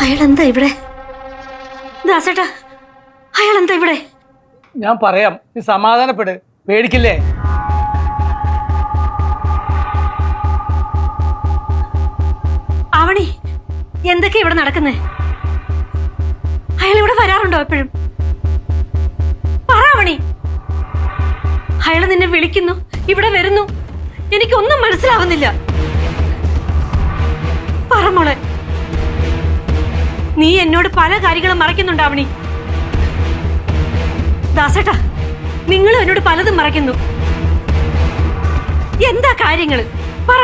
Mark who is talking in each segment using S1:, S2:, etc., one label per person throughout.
S1: അയാളെന്താ ഇവിടെ? ദാസേട്ടാ, അയാളെന്താ ഇവിടെ?
S2: ഞാൻ പറയാം, നീ സമാധാനപ്പെട്, പേടിക്കില്ലേ.
S1: ആവണി, എന്തൊക്കെയാ ഇവിടെ നടക്കുന്നേ? അയാൾ ഇവിടെ വരാറുണ്ടോ എപ്പോഴും? പറ ആവണി. അയാൾ നിന്നെ വിളിക്കുന്നു, ഇവിടെ വരുന്നു, എനിക്കൊന്നും മനസ്സിലാവുന്നില്ല. പറ മോളെ. നീ എന്നോട് പല കാര്യങ്ങളും മറയ്ക്കുന്നുണ്ടാവണി. ദാസേട്ടാ, നിങ്ങൾ എന്നോട് പലതും മറയ്ക്കുന്നു. എന്താ കാര്യങ്ങള്? പറ.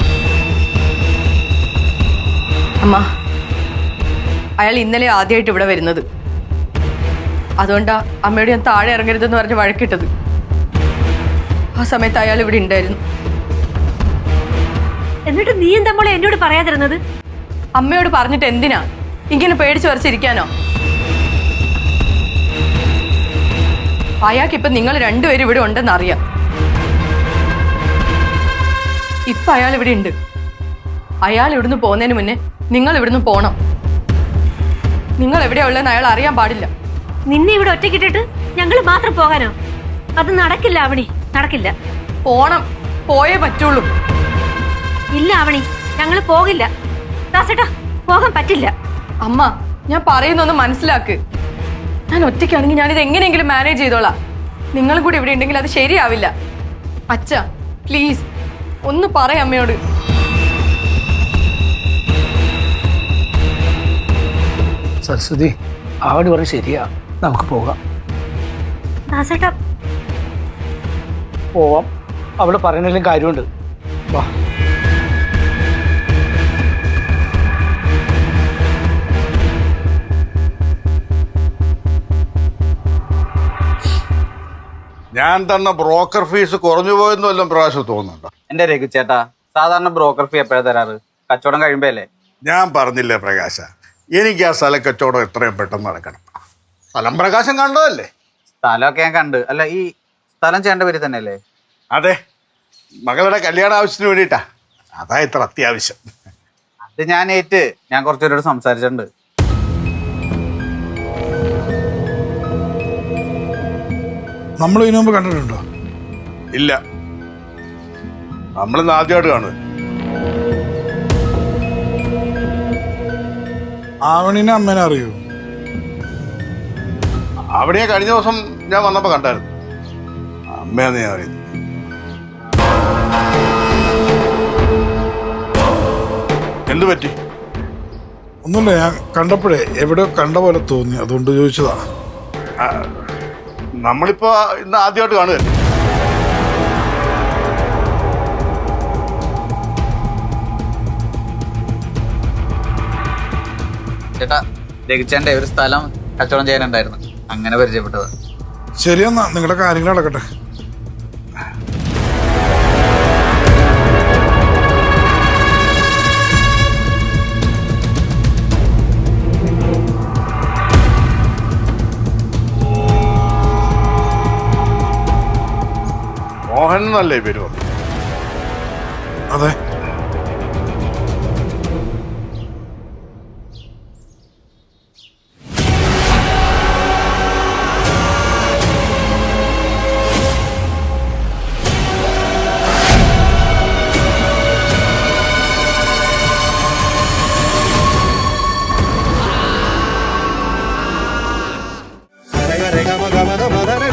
S3: അമ്മ, അയാൾ ഇന്നലെ ആദ്യമായിട്ട് ഇവിടെ വരുന്നത്. അതുകൊണ്ടാ അമ്മയോട് ഞാൻ താഴെ ഇറങ്ങരുതെന്ന് പറഞ്ഞ് വഴക്കിട്ടത്. ആ സമയത്ത് അയാൾ ഇവിടെ ഉണ്ടായിരുന്നു.
S1: എന്നിട്ട് നീ എന്താ മോളെ എന്നോട് പറയാതിരുന്നത്?
S3: അമ്മയോട് പറഞ്ഞിട്ട് എന്തിനാ? ഇങ്ങനെ പേടിച്ച് വരച്ചിരിക്കാനോ? അയാൾക്കിപ്പം നിങ്ങൾ രണ്ടുപേരും ഇവിടെ ഉണ്ടെന്ന് അറിയാം. ഇപ്പൊ അയാൾ ഇവിടെ ഉണ്ട്. അയാൾ ഇവിടുന്ന് പോകുന്നതിന് മുന്നേ നിങ്ങൾ ഇവിടുന്ന് പോണം. നിങ്ങൾ എവിടെയാ ഉള്ളതെന്ന് അയാൾ അറിയാൻ പാടില്ല.
S1: നിന്നെ ഇവിടെ ഒറ്റക്കിട്ടിട്ട് ഞങ്ങൾ മാത്രം പോകാനോ? അത് നടക്കില്ല ആവണി, നടക്കില്ല.
S3: പോണം, പോയേ പറ്റുള്ളൂ.
S1: ഇല്ല ആവണി, ഞങ്ങൾ പോകില്ല. ദാസേട്ടാ, പോകാൻ പറ്റില്ല.
S3: അമ്മ, ഞാൻ പറയുന്നൊന്ന് മനസ്സിലാക്ക്. ഞാൻ ഒറ്റയ്ക്കാണെങ്കിൽ ഞാനിത് എങ്ങനെയെങ്കിലും മാനേജ് ചെയ്തോളാം. നിങ്ങളും കൂടി ഇവിടെ ഉണ്ടെങ്കിൽ അത് ശരിയാവില്ല. അച്ഛ, പ്ലീസ് ഒന്ന് പറയാം അമ്മയോട്.
S2: സരസ്വതി, ആവണി പറഞ്ഞ് ശരിയാ, നമുക്ക് പോകാം.
S1: ദാസേട്ടാ,
S2: പോവാം. അവള് പറയുന്നതിലും കാര്യമുണ്ട്. വാ.
S4: ഞാൻ തന്ന ബ്രോക്കർ ഫീസ് കുറഞ്ഞു പോയെന്ന് വല്ലതും പ്രാവശ്യം തോന്നുന്നുണ്ടോ?
S5: എന്റെ രഘു ചേട്ടാ, സാധാരണ ബ്രോക്കർ ഫീ എപ്പോഴാ തരാറ്? കച്ചവടം കഴിയുമ്പോ അല്ലേ?
S4: ഞാൻ പറഞ്ഞില്ലേ പ്രകാശ, എനിക്ക് ആ സ്ഥല കച്ചവടം എത്രയും പെട്ടെന്ന് നടക്കണം. സ്ഥലം പ്രകാശം കണ്ടതല്ലേ?
S5: സ്ഥലമൊക്കെ ഞാൻ കണ്ട്. അല്ല, ഈ സ്ഥലം ചേട്ടൻ്റെ പേര് തന്നെ അല്ലേ?
S4: അതെ, മകളുടെ കല്യാണ ആവശ്യത്തിന് വേണ്ടിയിട്ടാ. അതാ ഇത്ര അത്യാവശ്യം.
S5: അത് ഞാൻ ഏറ്റ്. ഞാൻ കുറച്ചുപേരോട് സംസാരിച്ചിട്ടുണ്ട്.
S6: നമ്മൾ ഇതിനു മുമ്പ് കണ്ടിട്ടുണ്ടോ?
S4: ഇല്ല, നമ്മളിന്ന് ആദ്യമായിട്ട് കാണുന്നത്.
S6: ആവണിനെ അമ്മേനെ അറിയൂ?
S4: അവിടെ കഴിഞ്ഞ ദിവസം ഞാൻ വന്നപ്പോ കണ്ടായിരുന്നു. അമ്മയാന്ന് ഞാൻ അറിയുന്നു. എന്തു പറ്റി?
S6: ഒന്നുമില്ല, ഞാൻ കണ്ടപ്പോഴേ എവിടെയോ കണ്ട പോലെ തോന്നി, അതുകൊണ്ട് ചോദിച്ചതാ.
S4: നമ്മളിപ്പോ ഇന്ന് ആദ്യമായിട്ട് കാണുകയല്ലേ.
S5: ചേട്ടാ, രഘുചേട്ടൻ്റെ ഒരു സ്ഥലം കച്ചവടം ചെയ്യാനുണ്ടായിരുന്നു, അങ്ങനെ പരിചയപ്പെട്ടതാ.
S6: ശരിയെന്നാ, നിങ്ങളുടെ കാര്യങ്ങൾ നടക്കട്ടെ.
S4: മോഹൻ എന്നല്ലേ പേര് പറഞ്ഞു?
S6: അതെ.
S7: Rega, rega, maga, maga, maga,